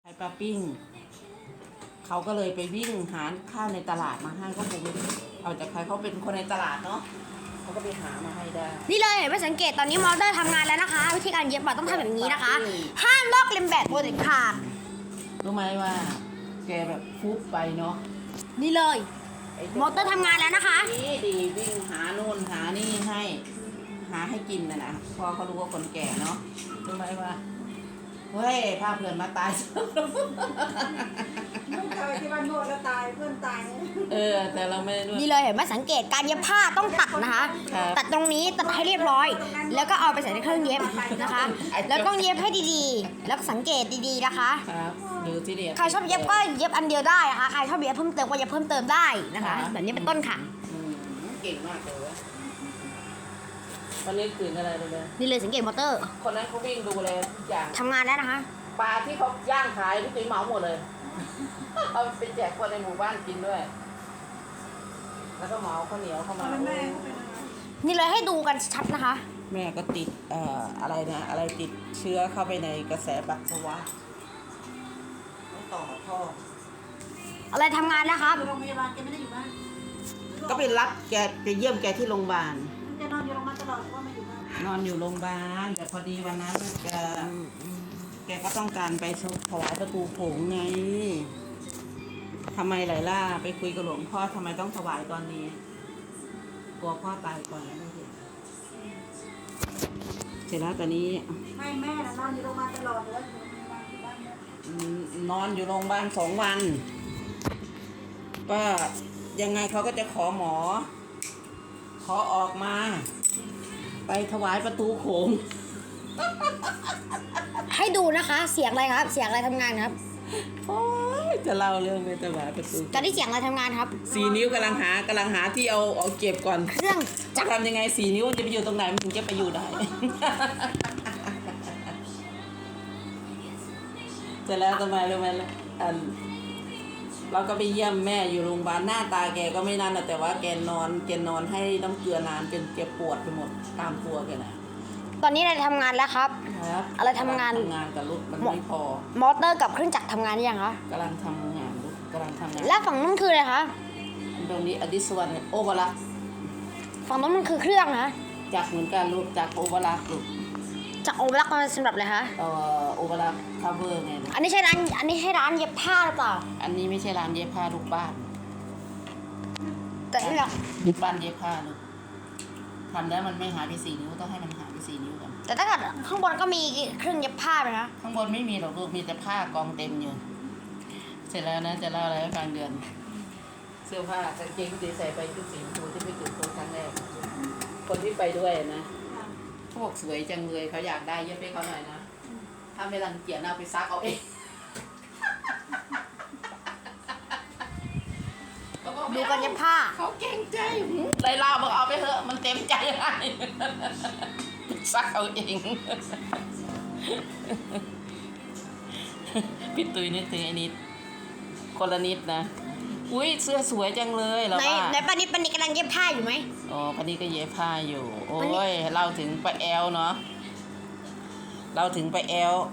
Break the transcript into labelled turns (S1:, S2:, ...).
S1: ขายปลาปิ้งเขาก็เลยไปวิ่งหาข้าวในตลาดมาให้ก็คงเอาจากใครเขาเป็นคนในตลาดเนาะเขาก็ไปหามาให้ได้
S2: นี่เลยเห็นไหมสังเกตตอนนี้มอเตอร์ทำงานแล้วนะคะ วิธีการเย็บปะต้องทำแบบนี้นะคะ ห้ามลอกเลียนแบบโปรเจกต์ขาด
S1: รู้ไหมว่าแกแบบฟุบไปเนาะ
S2: นี่เลยมอเตอร์ทำงานแล้วนะคะ
S1: ดีวิ่งหานู่นหานี่ให้หาให้กินนะพอเขารู้ว่าคนแก่เนาะรู้ไหมว่าเฮ้ยพาเพื่อนมาตาย
S3: ไม่เคยที่ว่านวดแล้วตายเพื่อนตาย
S1: แต่เราไม่ได้นวด
S2: นี่เลยเห็นไหมสังเกตการเย็บผ้าต้องตัดนะคะตัดตรงนี้ตัดให้เรียบร้อย แล้วก็เอาไปใส่ในเครื่องเย็บนะคะแล้วก็เย็บให้ดีๆแล้วสังเกตดีๆนะคะ
S1: ครับดูที่เดียว
S2: ใครชอบเย็บก็เย็บอันเดียวได้นะคะใครชอบเย็บเพิ่มเติมก็เย็บเพิ่มเติมได้นะคะแบบนี้เป็นต้นค่ะ
S1: เก่งมากเลยวันนี้ตื่นอะไรเลย
S2: นี่เลยสังเกตมอเตอร์
S1: คนนั้นเขาวิ่งดูเลยทุกอย่าง
S2: ทำงานแล้วนะคะ
S1: ปลาที่เขาย่างขายพี่ตุ้ยเหมาหมดเลยเอาไปแจกคนในหมู่บ้านกินด้วยแล้วก็เหมาข้าวเหนียวเข้ามา
S2: นี่เลยให้ดูกันชัดนะคะ
S1: แม่ก็ติดอะไรนะอะไรติดเชื้อเข้าไปในกระแสปัสสาวะต้องต่อท่อ
S2: อะไรทำงานแล้วครับ
S3: โรงพยาบาลแกไม่ได้อยู่บ้าน
S1: ก็ไปรับแกไปเยี่ยมแกที่โรงพยาบาล
S3: แกนอนอยู่โรงพยาบาลตลอดว่าไม่อยู่บ้าน
S1: นอนอยู่โรงพยาบาลแต่พอดีวันนั้นแกก็ต้องการไปถวายประตูผงไงทำไมไหลล่าไปคุยกับหลวงพ่อทำไมต้องถวายตอนนี้กลัวพ่อตายก่อนแล้วไม่เห็นเสร็จแล้วตอนนี้
S3: ไม่แม่น่ะนอนอยู่โรงพยาบาลตลอดเลย
S1: นอนอยู่โรงพยาบาล2 วันก็ยังไงเขาก็จะขอหมอขอออกมาไปถวายประตูโขง
S2: ให้ดูนะคะเสียงอะไรครับเสียงอะไรทำงานครับ
S1: โอ้ยจะเล่าเรื่องไปถวายประตู
S2: ตอนนี้เสียงอะไรทำงานครับ
S1: 4 นิ้วกำลังหาที่เอาเก็บก่อน
S2: เครื่อง
S1: จะทำยังไง4 นิ้วจะไปอยู่ตรงไหนมันถึงจะไปอยู่ได้เสร็จแล้วทำไมรู้ไหมเราก็ไปเยี่ยมแม่อยู่โรงพยาบาลหน้าตาแกก็ไม่นั่นแต่ว่าแกนอนให้น้ำเกลือนานจนแกปวดไปหมดตามตัวแกนะ
S2: ตอนนี้อะไรทำงานแล้วครับอะไรทำงาน
S1: กับรถมันไม่พอ
S2: มอเตอร์กับเครื่องจักรทำงานยังคะ
S1: กำลังทำงาน
S2: แล้วฝั่งนู้นคืออะไรคะ
S1: ตรงนี้อดิสวรรณโอเวอร์ลัก
S2: ฝั่งนู้นมันคือเครื่องนะ
S1: จักเหมือนกันลูกจักโอเวอร์ลักลูก
S2: จักโอเวอร์ลักมันสำหรับอะไรคะ
S1: โอเวอร์ลักคัฟเวอร์ไง
S2: อันนี้ใช่ร้านเย็บผ้าหรือเปล่า
S1: อันนี้ไม่ใช่ร้านเย็บผ้าลูกบ้าน
S2: แต่นี่แหละ
S1: บ้านเย็บผ้าลูกทำแล้วมันไม่หายไป4 นิ้วต้องให้มันหายไป4 นิ้วกัน
S2: แต่ถ้าเกิดข้างบนก็มีเครื่องเย็บผ้าไหมคะ
S1: ข้างบนไม่มีหรอกลูกมีแต่ผ้ากองเต็มอยู่เสร็จแล้วนะจะเล่าอะไรให้ฟังเดือนเสื้อผ้ากางเกงที่ใส่ไปชุดสีชมพูที่ไปจุดโทษครั้งแรกคนที่ไปด้วยนะเขาบอกสวยจังเลยเขาอยากได้เย็บให้เขาหน่อยนะถ้าไม่รังเกียจเอาไปซักเอาเอง
S2: ดูกันเย็บผ้า
S1: เขาเก่งใจเลยเล่าบอกเอาไปเถอะมันเต็มใจให้ซักเอาเองพี่ตุ้ยนึกถึงไอ้นิดคนละนิดนะอุ้ยเสื้อสวยจังเลยแล้วว่า
S2: ในปานิดกำลังเย็บผ้าอยู่ไหม
S1: อ๋อปานิดก็เย็บผ้าอยู่โอ้ยเราถึงไปแอลเนาะเราถึงไปแอล